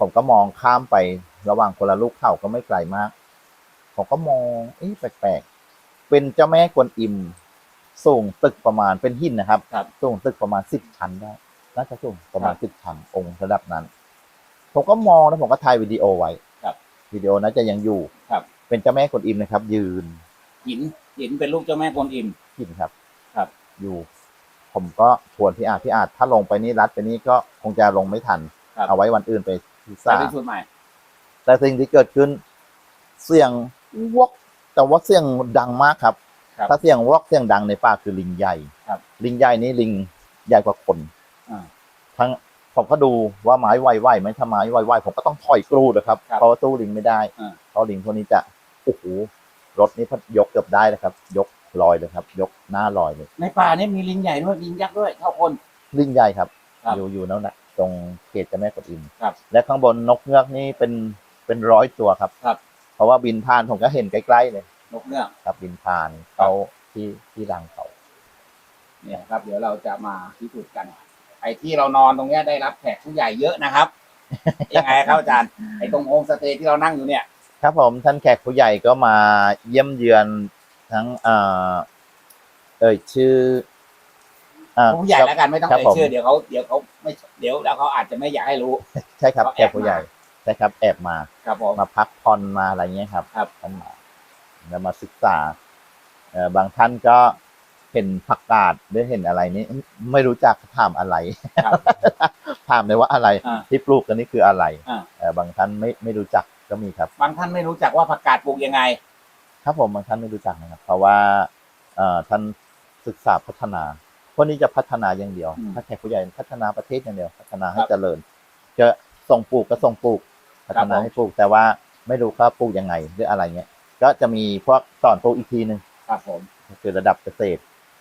[SPEAKER 2] ผมก็มองข้ามไประหว่างคนละลูกเขาก็ไม่ไกลมากผมก็มองเอ๊ะแปลกๆเป็นเจ้าแม่กวนอิมสูงตึกประมาณเป็นหินนะครับ
[SPEAKER 3] ครับ
[SPEAKER 2] สูงตึกประมาณสิบชั้นได้น่าจะสูงประมาณสิบชั้นองค์ระดับนั้น ผมก็มองแล้วผมก็ถ่ายวิดีโอไว้
[SPEAKER 3] ครับ
[SPEAKER 2] วิดีโอน่าจะยังอยู่
[SPEAKER 3] ครับ
[SPEAKER 2] เป็นเจ้าแม่กวนอิมนะครับ ยืน
[SPEAKER 3] หินหินเป็นลูกเจ้าแม่กวนอิม
[SPEAKER 2] หินครับ
[SPEAKER 3] ครับ
[SPEAKER 2] อยู่ ผมก็ชวนพี่อาจพี่อาจถ้าลงไปนี่รัดไปนี่ก็คงจะลงไม่ทัน
[SPEAKER 3] ครับ
[SPEAKER 2] เอาไว้วันอื่นไปพิซ
[SPEAKER 3] ไป
[SPEAKER 2] ซ่า
[SPEAKER 3] พิสูจน์ใหม่
[SPEAKER 2] แต่สิ่งที่เกิดขึ้น เสียงวอกแต่ว่าเสียงดังมากครับ
[SPEAKER 3] ครับ
[SPEAKER 2] ถ้าเสียงวอกเสียงดังในป่าคือลิงใหญ่
[SPEAKER 3] ครับ
[SPEAKER 2] ลิงใหญ่นี้ลิงใหญ่กว่าคน
[SPEAKER 3] อ่า
[SPEAKER 2] ทั้งผมก็ดูว่าไม้ไวไวไหมถ้าไม้ไวไวผมก็ต้องถอยกรูดนะครับ
[SPEAKER 3] ครับ
[SPEAKER 2] เพราะว่าสู้ลิงไม่ได้
[SPEAKER 3] อ่า
[SPEAKER 2] เพราะลิงพวกนี้จะโอ้โหรถนี้พัดยกเกือบได้เลยครับ ยกลอยเลยครับ ยกหน้าลอยเลย
[SPEAKER 3] ในป่านี่มีลิงใหญ่ด้วยลิงยักษ์ด้วยเท่าคน
[SPEAKER 2] ลิงใหญ่ครับ
[SPEAKER 3] ครับ
[SPEAKER 2] อยู่อยู่นั่นแหละตรงเขตเจ้าแม่กวนอิม
[SPEAKER 3] ครับ
[SPEAKER 2] และข้างบนนกเงือกนี่เป็นเป็นร้อยตัวครับ
[SPEAKER 3] ครับ
[SPEAKER 2] เพราะว่าบินผ่านผมก็เห็นใกล้ๆเลย
[SPEAKER 3] นกเงือก
[SPEAKER 2] ครับบินผ่านเขาที่ที่รังเขา
[SPEAKER 3] เนี่ยครับ เดี๋ยวเราจะมาพิสูจน์กัน ไอ้ที่เรานอนตรงเนี้ยได้รับแขกผู้ใหญ่เยอะนะครับ ยังไงครับอาจารย์ไอ้ตรงโฮมสเตย์ที่เรานั่งอยู่เนี่ย
[SPEAKER 2] ครับผมท่านแขกผู้ใหญ่ก็มาเยี่ยมเยือนทั้งเอ่อเอ่ยชื่ออ่า
[SPEAKER 3] ผู้ใหญ่แล้วกันไม่ต้อง
[SPEAKER 2] ครับ
[SPEAKER 3] เอ่ย
[SPEAKER 2] ผม
[SPEAKER 3] ชื่อเดี๋ยวเขาเดี๋ยวเขาไม่เดี๋ยวแล้วเขาอาจจะไม่อยากให้รู้
[SPEAKER 2] ใช่ครับ
[SPEAKER 3] เขา
[SPEAKER 2] แข
[SPEAKER 3] แอบ
[SPEAKER 2] กผู้ใหญ่ใช่ครับแอบมา
[SPEAKER 3] ครับผม
[SPEAKER 2] มาพักผ่อนมาอะไรเงี้ยครับ
[SPEAKER 3] ครับ
[SPEAKER 2] ท่านมาแล้วมาศึกษาเอ่อบางท่านก็เห็นผักกาดหรือเห็นอะไรนี้ไม่รู้จักถามอะไร
[SPEAKER 3] ครับ
[SPEAKER 2] ถามเลยว่าอะไร
[SPEAKER 3] อ่า
[SPEAKER 2] ที่ปลูกกันนี่คืออะไร
[SPEAKER 3] อ่า
[SPEAKER 2] เอ่อบางท่านไม่ไม่รู้จักก็มีครับ
[SPEAKER 3] บางท่านไม่รู้จักว่าผักกาดปลูกยังไง
[SPEAKER 2] ครับผมบางท่านไม่รู้จักนะครับ เพราะว่าเอ่อท่านศึกษาพัฒนาคนนี้จะพัฒนาอย่างเดียว
[SPEAKER 3] อืม
[SPEAKER 2] ถ้าแขกผู้ใหญ่พัฒนาประเทศอย่างเดียว พัฒนาให้
[SPEAKER 3] ครับ
[SPEAKER 2] เจริญ จะส่งปลูกก็ส่งปลูก พัฒนา
[SPEAKER 3] ผม
[SPEAKER 2] ให้ปลูก แต่ว่าไม่รู้ว่าปลูกยังไงหรืออะไรเงี้ย ก็จะมีพวกสอนปลูกอีกทีหนึ่ง
[SPEAKER 3] ครับผม
[SPEAKER 2] ก็คือระดับเกษตร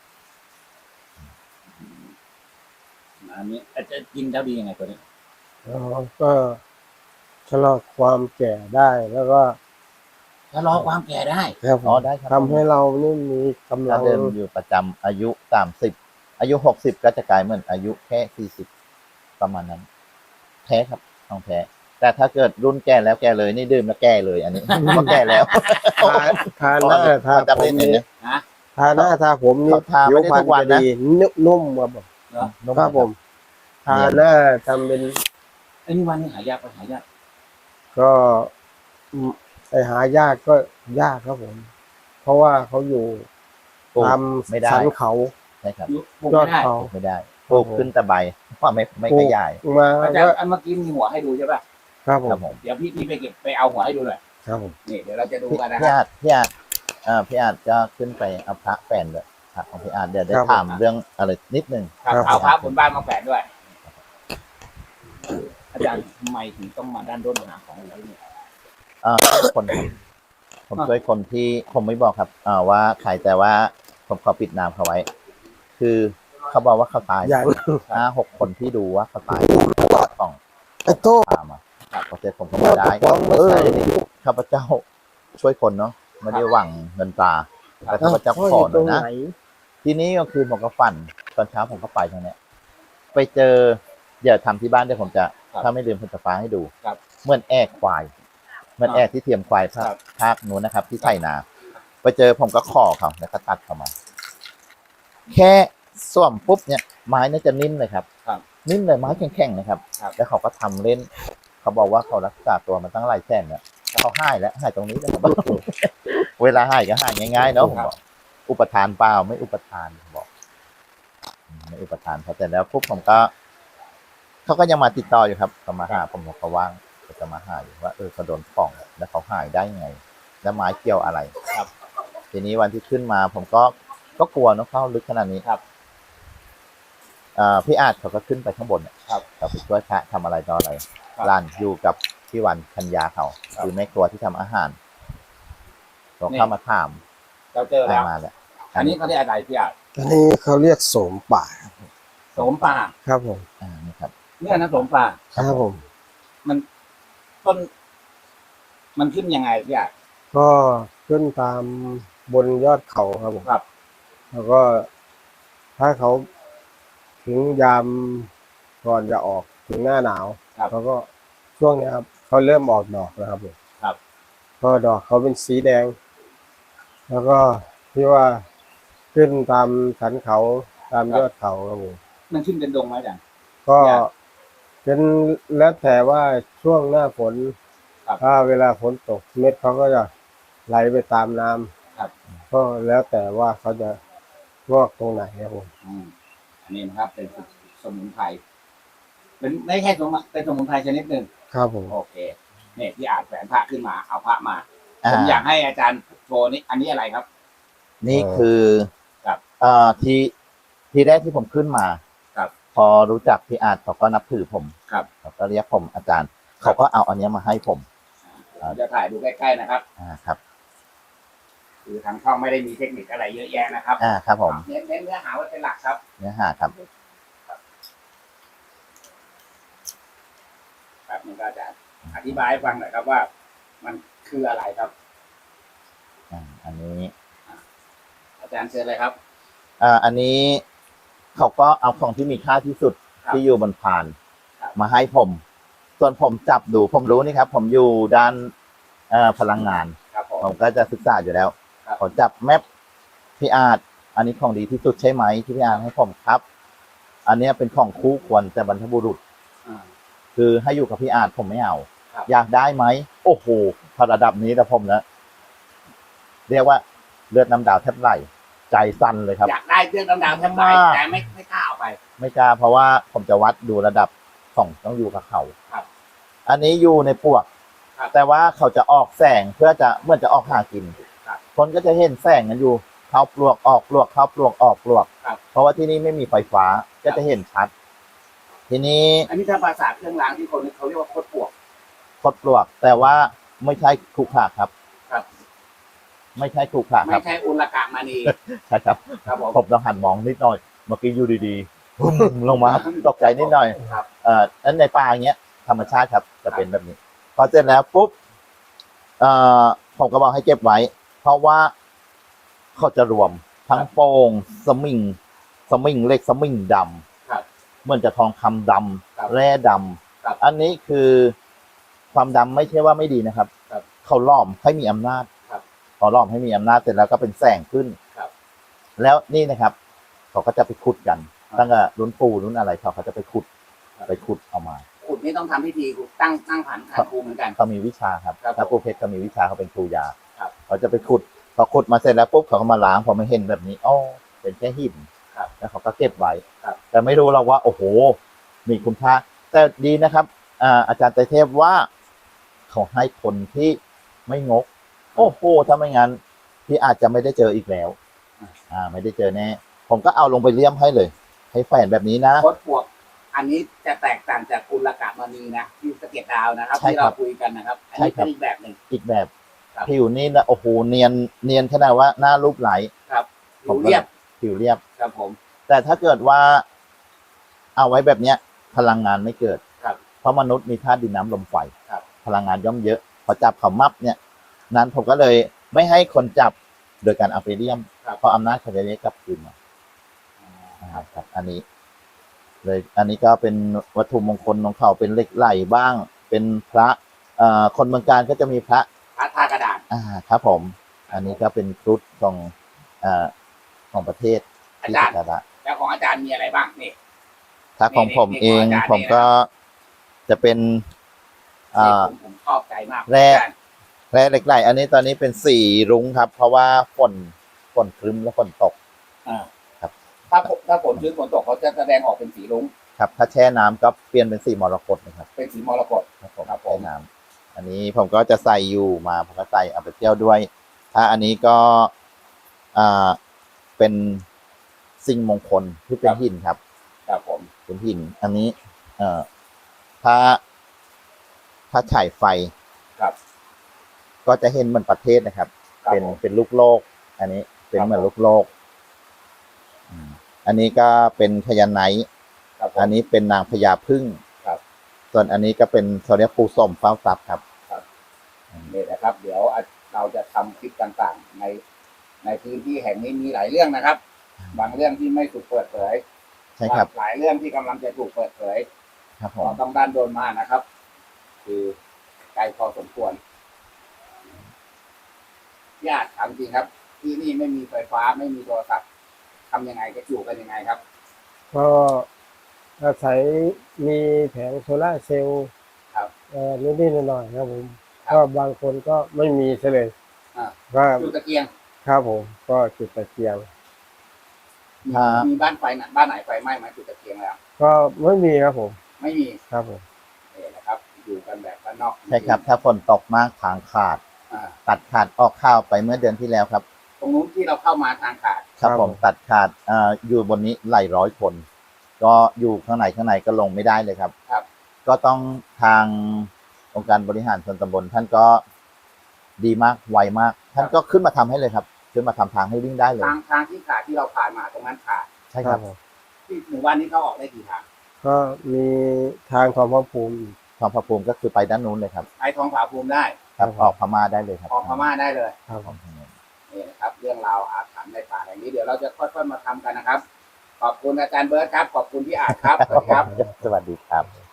[SPEAKER 3] อันนี้อาจจะกินแล้วดียังไงตัวนี้
[SPEAKER 1] แล้วก็ชะลอความแก่ได้แล้วก็
[SPEAKER 3] ชะลอความแก่ได้
[SPEAKER 1] ครับผ
[SPEAKER 2] อ๋อ
[SPEAKER 1] ม
[SPEAKER 2] ได้ครับ
[SPEAKER 1] ทำให้เรานี่มีกำลั
[SPEAKER 2] ถ้าง เดิมอยู่ประจำอายุสามสิบอายุหกสิบก็จะกลายเหมือนอายุแค่สี่สิบประมาณนั้น แท้ครับต้องแท้ แต่ถ้าเกิดรุ่นแก่แล้วแก่เลยนี่ดื่มแล้วแก่เลย อันนี้ ก็แก่แล้ว
[SPEAKER 1] ทาทาหน้าทา
[SPEAKER 2] เขาจะ
[SPEAKER 1] ผ
[SPEAKER 2] เป็น
[SPEAKER 1] ม
[SPEAKER 2] เห็น
[SPEAKER 1] นี่
[SPEAKER 2] ไหม
[SPEAKER 3] ฮะ
[SPEAKER 1] ทาหน้าทาผมนี่
[SPEAKER 2] เขาทาไม่ได้ทุกวันนะ
[SPEAKER 1] ผิวพรรณจะดีนุ่มนุ่มครับผม
[SPEAKER 3] เหรอ
[SPEAKER 2] นุ่
[SPEAKER 1] ครับผม ทาหน้าทำเป็น
[SPEAKER 3] ไอ้นี่วันนี้หายากไปหายาก
[SPEAKER 1] ก็อืมไอหายากก็ยากครับผม เพราะว่าเขาอยู่
[SPEAKER 2] ปลูก
[SPEAKER 1] ตาม
[SPEAKER 2] ไม่ได้
[SPEAKER 1] สันเขา
[SPEAKER 2] ใช่ครับ
[SPEAKER 3] ปลูก
[SPEAKER 1] ยอ
[SPEAKER 3] ไม่
[SPEAKER 1] ด
[SPEAKER 3] ได้
[SPEAKER 1] เขา
[SPEAKER 2] ปลูกไม่ได้ปลูกขึ้นแต่ใบเพราะไม่ไม่
[SPEAKER 1] ปลู
[SPEAKER 2] ข
[SPEAKER 1] ก
[SPEAKER 2] ยาย
[SPEAKER 1] มา
[SPEAKER 3] อาจาร
[SPEAKER 1] ก็
[SPEAKER 3] ย์อันเมื่อกี้มีหัวให้ดูใช่ป่ะ
[SPEAKER 1] ครับผ
[SPEAKER 2] ครับ
[SPEAKER 1] ม
[SPEAKER 2] ผม
[SPEAKER 3] เดี๋ยวพี่พี่ไปเก็บไปเอาหัวให้ดูหน่อย
[SPEAKER 1] ครับผม
[SPEAKER 3] นี่เดี๋ยวเราจะดู
[SPEAKER 2] พี่
[SPEAKER 3] กันนะค
[SPEAKER 2] พี่
[SPEAKER 3] รับ
[SPEAKER 2] อาจพี่อาจอ่าพี่อาจจะขึ้นไปเอาพระแฟนเลยพระของพี่อาจเดี๋ยวได้ถามเรื่องอะไรนิดนึง
[SPEAKER 3] ครับเอาพระบนบ้านมาแฝดด้วย อาจารย์ทำไมถึงต้องมาด้านด้นหาของอะไรเนี่ย
[SPEAKER 2] อ่าคนครับผมช่วยคนที่ผมไม่บอกครับ อ่าว่าใครแต่ว่าผมขอปิดนามเขาไว้ คือเขาบอกว่าเขาตาย
[SPEAKER 1] อย่าง
[SPEAKER 2] ห้าหกคนที่ดูว่าเขาตายของ
[SPEAKER 1] ไอ้โต้
[SPEAKER 2] พามาครับพอเสร็จผมก็มาได้
[SPEAKER 1] ฟ้องมา
[SPEAKER 2] เออ
[SPEAKER 1] ใส่
[SPEAKER 2] ข้าพเจ้าช่วยคนเนาะไม่ได้หวังเงินตราแต่ข้าพเจ้าขอหน่อยนะ ทีนี้ก็คือผมก็ฝันตอนเช้าผมก็ไปทางเนี้ย ไปเจอเดี๋ยวทำที่บ้านเดี๋ยวผมจะ
[SPEAKER 3] ครับ
[SPEAKER 2] ถ้าไม่ลืมผมจะฟ้าให้ดู
[SPEAKER 3] ครับ
[SPEAKER 2] เหมื่อนแอกควายเหมื่อนแอกที่เทียมควายภา
[SPEAKER 3] ครั
[SPEAKER 2] ค
[SPEAKER 3] บ
[SPEAKER 2] ภาคนู้นนะครับ ที่ไถนา ไปเจอผมก็ขอเขาแล้วก็ตัดเข้ามา แค่ส่วมปุ๊บเนี่ยไม้เนี่ยจะนิ่มเลยครับ
[SPEAKER 3] ครับ
[SPEAKER 2] นิ่มเลยไม้แข็งๆนะครับ
[SPEAKER 3] ครับ
[SPEAKER 2] แล้วเขาก็ทำเล่น เขาบอกว่าเขารักษาตัวมาตั้งหลายแสนเนี่ยเขาหายแล้วหายตรงนี้แล้วครับ เวลาหายก็หายง่ายๆเนาะผมบอกอุปทานเปล่าไม่อุปทานผมบอกอืมไม่อุปทานพอเสร็จแล้วปุ๊บผมก็เขาก็ยังมาติดต่ออยู่ครับเขามาหาผมบอกเขาว่างเขาจะมาหาอยู่ว่าเออเขาโดนของแล้วเขาหายได้ยังไง แล้วไม้เกี่ยวอะไร
[SPEAKER 3] ครับ
[SPEAKER 2] ทีนี้วันที่ขึ้นมา ผมก็ก็กลัวเนอะเข้าลึกขนาดนี้
[SPEAKER 3] ครับ
[SPEAKER 2] อ่าพี่อาจเขาก็ขึ้นไปข้างบนเนี่ย
[SPEAKER 3] ครับ
[SPEAKER 2] เขาไปช่วยพระทำอะไรต่ออะไร
[SPEAKER 3] ครับ
[SPEAKER 2] ร้านอยู่กับพี่วันคัญญาเขา
[SPEAKER 3] ครับ
[SPEAKER 2] คือแม่ครัวที่ทำอาหารเขา
[SPEAKER 3] นี่
[SPEAKER 2] เข้ามาถาม
[SPEAKER 3] เราเจอ
[SPEAKER 2] ได้
[SPEAKER 3] แล้ว
[SPEAKER 2] มาแล้ว
[SPEAKER 3] อันนี้เขาเรียกอะไรพี่อาจ
[SPEAKER 1] อันนี้เขาเรียกโสมป่า
[SPEAKER 3] โสมป่า
[SPEAKER 1] ครับผม
[SPEAKER 2] อ่านี่ครับ
[SPEAKER 3] เนี่ยนะโสมป่า
[SPEAKER 1] ครับผม
[SPEAKER 3] มันต้น มันขึ้นยังไงพี่อาจ
[SPEAKER 1] ก็ขึ้นตามบนยอดเขาครับผม
[SPEAKER 3] ครับ
[SPEAKER 1] แล้วก็ถ้าเขาถึงยามก่อนจะออกถึงหน้าหนาว
[SPEAKER 3] ครับ
[SPEAKER 1] เขาก็ช่วงเนี้ยครับเขาเริ่มออกดอกแล้วครับผม
[SPEAKER 3] ครับ
[SPEAKER 1] ก็ดอกเขาเป็นสีแดง แล้วก็ที่ว่าขึ้นตามสันเขาตามยอดเขาครับผม
[SPEAKER 3] มันขึ้นเป็นดงไหมอาจารย์
[SPEAKER 1] ก็
[SPEAKER 3] เนี่ย
[SPEAKER 1] เป็นแล้วแต่ว่าช่วงหน้าฝน
[SPEAKER 3] ครับ
[SPEAKER 1] ถ้าเวลาฝนตกเม็ดเขาก็จะไหลไปตามน้ำ
[SPEAKER 3] ครับ
[SPEAKER 1] ก็แล้วแต่ว่าเขาจะงอกตรงไหนครับผม
[SPEAKER 3] อืมอันนี้นะครับ เป็นสมุนไพรเป็นไม่ใช่สมุนเป็นสมุนไพรชนิดหนึ่ง
[SPEAKER 1] ครับผม
[SPEAKER 3] โอเคเนี่ยที่อาจแฝนพระขึ้นมาเอาพระมา
[SPEAKER 2] อ่า
[SPEAKER 3] ผมอยากให้อาจารย์โชว์นี่อันนี้อะไรครับ
[SPEAKER 2] นี่คือ
[SPEAKER 3] ครับ
[SPEAKER 2] เอ่อที่ที่แรกที่ผมขึ้นมา
[SPEAKER 3] ครับ
[SPEAKER 2] พอรู้จักพี่อาร์ตเขาก็นับถือผม
[SPEAKER 3] ครับ
[SPEAKER 2] เขาก็เรียกผมอาจารย์ เขาก็เอาอันเนี้ยมาให้ผม
[SPEAKER 3] ผมจะถ่ายดูใกล้ๆนะครับ
[SPEAKER 2] อ่าครับ
[SPEAKER 3] คือทางช่องไม่ได้มีเทคนิคอะไรเยอะแยะนะครับ
[SPEAKER 2] อ่าครับผม
[SPEAKER 3] เน้นเน้นเนื้อหาไว้เป็นหลักครับ
[SPEAKER 2] เนื้อหาครับ
[SPEAKER 3] ครับนี่ก็จะอธิบายให้ฟังหน่อยครับว่า มันคืออะไรครับ
[SPEAKER 2] อ่าอันนี้
[SPEAKER 3] อาจารย์เชิญเลยครับ
[SPEAKER 2] อ่าอันนี้เขาก็เอาของที่มีค่าที่สุด
[SPEAKER 3] ครับ
[SPEAKER 2] ที่อยู่บนพาน
[SPEAKER 3] ครับ
[SPEAKER 2] มาให้ผม ส่วนผมจับดูผมรู้นี่ครับ ผมอยู่ด้านเอ่อพลังงาน
[SPEAKER 3] ครับผม
[SPEAKER 2] ผมก็จะศึกษาอยู่แล้ว
[SPEAKER 3] ครับ
[SPEAKER 2] ผมจับแมปพี่อาร์ตอันนี้ของดีที่สุดใช่ไหมที่พี่อาร์ตให้ผมครับ อันเนี้ยเป็นของคู่ควรแต่บรรพบุรุษ
[SPEAKER 3] อ่า
[SPEAKER 2] คือให้อยู่กับพี่อาร์ตผมไม่เอา
[SPEAKER 3] ครับ
[SPEAKER 2] อยากได้ไหมโอ้โหพอระดับนี้แต่ผมนะเรียกว่าเลือดน้ำดาวแทบไหลใจสั่นเลยครับ
[SPEAKER 3] อยากได้เครื่องดำๆแทบไป
[SPEAKER 2] มาก
[SPEAKER 3] แต่ไม่ไม่กล้าเอาไป
[SPEAKER 2] ไม่กล้าเพราะว่าผมจะวัดดูระดับของต้องอยู่กับเขา
[SPEAKER 3] ครับ
[SPEAKER 2] อันนี้อยู่ในปวก
[SPEAKER 3] ครับ
[SPEAKER 2] แต่ว่าเขาจะออกแสงเพื่อจะเมื่อจะออกหากิน
[SPEAKER 3] ครับ
[SPEAKER 2] คนก็จะเห็นแสงกันอยู่ เข้าปลวกออกปลวกเข้าปลวกออกปลวก
[SPEAKER 3] ครับ
[SPEAKER 2] เพราะว่าที่นี่ไม่มีไฟฟ้าก็จะเห็นชัด ทีนี้
[SPEAKER 3] อันนี้ถ้าภาษาเครื่องรางที่คนเขาเรียกว่าโคตรปวก
[SPEAKER 2] คดปลวก แต่ว่าไม่ใช่ขรุขระครับ
[SPEAKER 3] ครับ
[SPEAKER 2] ไม่ใช่ขรุขระค
[SPEAKER 3] ไม่
[SPEAKER 2] รับ
[SPEAKER 3] ใช่อุลกะมณี
[SPEAKER 2] ใช่ครับ
[SPEAKER 3] ครับผม
[SPEAKER 2] ผมต้องหันมองนิดหน่อย เมื่อกี้อยู่ดีๆพุ่งลงมาตกใจนิดหน่อย
[SPEAKER 3] ครับ
[SPEAKER 2] เอ่อนั้นในป่าอย่างเงี้ยธรรมชาติครับจะเป็นแบบนี้ พอเสร็จแล้วปุ๊บเอ่อผมก็บอกให้เก็บไว้ เพราะว่าเขาจะรวมทั้งโป่งสมิงสมิงเล็กสมิงด
[SPEAKER 3] ครับ
[SPEAKER 2] ำเหมือนจะทองคำด
[SPEAKER 3] ครับ
[SPEAKER 2] ำแร่ด
[SPEAKER 3] ครับ
[SPEAKER 2] ำอันนี้คือความดำไม่ใช่ว่าไม่ดีนะครับ
[SPEAKER 3] ครับ
[SPEAKER 2] เขาล้อมให้มีอำนาจ
[SPEAKER 3] ครับ
[SPEAKER 2] พอล้อมให้มีอำนาจเสร็จแล้วก็เป็นแสงขึ้น
[SPEAKER 3] ครับ
[SPEAKER 2] แล้วนี่นะครับ เขาก็จะไปขุดกัน
[SPEAKER 3] ครับ
[SPEAKER 2] ตั้งแต่รุ่นปู่รุ่นอะไรเขาเขาจะไปขุด
[SPEAKER 3] ครับ
[SPEAKER 2] ไปขุดเอามา
[SPEAKER 3] ขุดนี่ต้องทำพิธีตั้งตั้งผันขันครูเหมือนกัน
[SPEAKER 2] เขามีวิชาครับ
[SPEAKER 3] ครับ
[SPEAKER 2] ถ้าปู่เพชรเขามีวิชาเขาเป็นครูยา
[SPEAKER 3] ครับ
[SPEAKER 2] เขาจะไปขุดพอขุดมาเสร็จแล้วปุ๊บเขาก็มาล้างพอมาเห็นแบบนี้อ๋อเป็นแค่หิน
[SPEAKER 3] ครับ
[SPEAKER 2] แล้วเขาก็เก็บไว้
[SPEAKER 3] ครับ
[SPEAKER 2] แต่ไม่รู้เราว่า โอ้โห มีคุณค่าแต่ดีนะครับอ่าอาจารย์ไตรเทพว่า เขาให้คนที่ไม่งก โอ้โหถ้าไม่งั้นพี่อาจจะไม่ได้เจออีกแล้ว อ่า ไม่ได้เจอแน่ผมก็เอาลงไปเลี่ยมให้เลย ให้แฝนแบบนี้นะ
[SPEAKER 3] โคตรปวก อันนี้จะแตกต่างจากอุลกะมณีนะที่สะเก็ดดาวนะครับ
[SPEAKER 2] ใช่
[SPEAKER 3] ที่
[SPEAKER 2] ครั
[SPEAKER 3] เรา
[SPEAKER 2] บ
[SPEAKER 3] คุยกันนะครับ อัน
[SPEAKER 2] ใช่
[SPEAKER 3] นี้
[SPEAKER 2] ครั
[SPEAKER 3] เป็น
[SPEAKER 2] บ
[SPEAKER 3] อีกแบบหนึ่ง
[SPEAKER 2] อีกแบบ
[SPEAKER 3] ครับ
[SPEAKER 2] ผิวนี่นะโอ้โหเนียนเนียนขนาดว่าหน้ารูปไหล
[SPEAKER 3] ครับ
[SPEAKER 2] ผม
[SPEAKER 3] ผิวเรียบ
[SPEAKER 2] ผิวเรียบ
[SPEAKER 3] ครับผม
[SPEAKER 2] แต่ถ้าเกิดว่า เอาไว้แบบเนี้ย พลังงานไม่เกิด
[SPEAKER 3] ครับ
[SPEAKER 2] เพราะมนุษย์มีธาตุดินน้ำลมไฟ
[SPEAKER 3] ครับ
[SPEAKER 2] พลังงานย่อมเยอะ พอจับเขามับเนี่ย นั้นผมก็เลยไม่ให้คนจับโดยการเอาไปเลี่ยม
[SPEAKER 3] ครับ
[SPEAKER 2] เพราะอำนาจเขาจะได้กลับคืนมาครับ อันนี้ เลย อันนี้ก็เป็นวัตถุมงคลของเขาเป็นเหล็กไหลบ้าง เป็นพระเอ่อคนเมืองการก็จะมีพระ
[SPEAKER 3] พระธาตุกระดาษ
[SPEAKER 2] อ่าครับผม อันนี้ก็เป็นครุฑของเอ่อของประเทศ
[SPEAKER 3] อา
[SPEAKER 2] ที่
[SPEAKER 3] จาร
[SPEAKER 2] สั
[SPEAKER 3] ย์
[SPEAKER 2] กการะ
[SPEAKER 3] แล้วของอาจารย์มีอะไรบ้างนี่
[SPEAKER 2] ถ้าของผม
[SPEAKER 3] นี่
[SPEAKER 2] เอง
[SPEAKER 3] นี่ของอาจารย์
[SPEAKER 2] ผมก็จะเป็น อ่า
[SPEAKER 3] ผมผมชอบใจมาก
[SPEAKER 2] แร่
[SPEAKER 3] อาจารย์
[SPEAKER 2] แร่เหล็กไหลอันนี้ตอนนี้เป็นสีรุ้งครับ เพราะว่าฝนฝนครึ้มและฝนตก
[SPEAKER 3] อ่า
[SPEAKER 2] ครับ
[SPEAKER 3] ถ้าฝนถ้าฝนชื้นฝนตกเขาจะแสดงออกเป็นสีรุ้ง
[SPEAKER 2] ครับ ถ้าแช่น้ำก็เปลี่ยนเป็นสีมรกตนะครับ
[SPEAKER 3] เป็นสีมรกต
[SPEAKER 2] ครับผม
[SPEAKER 3] ครับผม
[SPEAKER 2] แช่น้ำอันนี้ผมก็จะใส่อยู่มาผมก็ใส่เอาไปเที่ยวด้วย ถ้าอันนี้ก็อ่าเป็นสิ่งมงคลที่เป็นหินครับ
[SPEAKER 3] ครับผม
[SPEAKER 2] เป็นหิน อันนี้ เอ่อ ถ้า ถ้าฉายไฟ
[SPEAKER 3] ครับ
[SPEAKER 2] ก็จะเห็นเหมือนประเทศนะครับ
[SPEAKER 3] ครับ
[SPEAKER 2] เป็น
[SPEAKER 3] ผม
[SPEAKER 2] เป็นลูกโลก อันนี้ เป็น
[SPEAKER 3] ครับ
[SPEAKER 2] เหมือนลูกโลกอืมอันนี้ก็เป็นพญาไนท์
[SPEAKER 3] ครับผม
[SPEAKER 2] อันนี้เป็นนางพญาพึ่ง
[SPEAKER 3] ครับ
[SPEAKER 2] ส่วนอันนี้ก็เป็นเขาเรียกปูส้มเฝ้าทรัพย์ครับ
[SPEAKER 3] นี่นะครับ เดี๋ยวเราจะทำคลิปต่างๆ ในในพื้นที่แห่งนี้มีหลายเรื่องนะครับ บางเรื่องที่ไม่ถูกเปิดเผย
[SPEAKER 2] ใช่ครับ
[SPEAKER 3] หลายเรื่องที่กำลังจะถูกเปิดเผย
[SPEAKER 2] ครับผ
[SPEAKER 3] ก็
[SPEAKER 2] ม
[SPEAKER 3] ต้องด้านโดนมานะครับคือไกลพอสมควรญาติถามจริงครับ ที่นี่ไม่มีไฟฟ้าไม่มีโทรศัพท์ทำยังไงจะอยู่กันยังไงครับ
[SPEAKER 1] ก็อาศัยมีแผงโซล่าร์เซลล์
[SPEAKER 3] ครับ
[SPEAKER 1] เอ่อนิดๆหน่อยๆครับผม
[SPEAKER 3] ครับ
[SPEAKER 1] ก็บางคนก็ไม่มีซะเลย
[SPEAKER 3] อ่า
[SPEAKER 1] ก็
[SPEAKER 3] จุดตะเกียง
[SPEAKER 1] ครับผมก็จุดตะเกียง
[SPEAKER 3] มี
[SPEAKER 2] ครับ
[SPEAKER 3] มีบ้านไฟนะบ้านไหนไฟไหม้ไหมจุดตะเกียงแล้ว
[SPEAKER 1] ก็ไม่มีครับผม
[SPEAKER 3] ไม่มี
[SPEAKER 1] ครับผม
[SPEAKER 3] นี่นะครับ อยู่กันแบบบ้านนอก
[SPEAKER 2] ใช่ครับ ถ้าฝนตกมากทางขาด
[SPEAKER 3] อ่า
[SPEAKER 2] ตัดขาดออกข้าวไปเมื่อเดือนที่แล้วครับ
[SPEAKER 3] ตรงนู้นที่เราเข้ามาทางขาด
[SPEAKER 2] ครับผมตัดขาดอ่าอยู่บนนี้หลายร้อยคน ก็อยู่ข้างในข้างในก็ลงไม่ได้เลยครับ
[SPEAKER 3] ครับ
[SPEAKER 2] ก็ต้องทางองค์การบริหารส่วนตำบลท่านก็ดีมากไวมาก ท่านก็ขึ้นมาทำให้เลยครับขึ้นมาทำทางให้วิ่งได้เลย
[SPEAKER 3] ทางทางที่ขาดที่เราผ่านมาตรงนั้นขาด
[SPEAKER 2] ใช่ครับ
[SPEAKER 1] ผม
[SPEAKER 3] ที่หมู่บ้านนี้เขาออกได้กี่ทาง
[SPEAKER 1] ก็มีทางของพระภูมิอีก
[SPEAKER 2] ทองพระภูมิก็คือไปด้านนู้นเลยครับ
[SPEAKER 3] ไปทองผาภูมิได้
[SPEAKER 2] ครับ
[SPEAKER 1] ครับ
[SPEAKER 2] ออกพม่าได้เลยครับ
[SPEAKER 3] ออกพม่าได้เลย
[SPEAKER 1] ครับ
[SPEAKER 2] ออกพม่า
[SPEAKER 3] นี่นะครับ เรื่องราวอาถรรพ์ในป่าแห่งนี้เดี๋ยวเราจะค่อยๆมาทำกันนะครับ ขอบคุณอาจารย์เบิร์ตครับ ขอบคุณพี่อาจครับสวัสดีครับ
[SPEAKER 2] สวัสดีครับ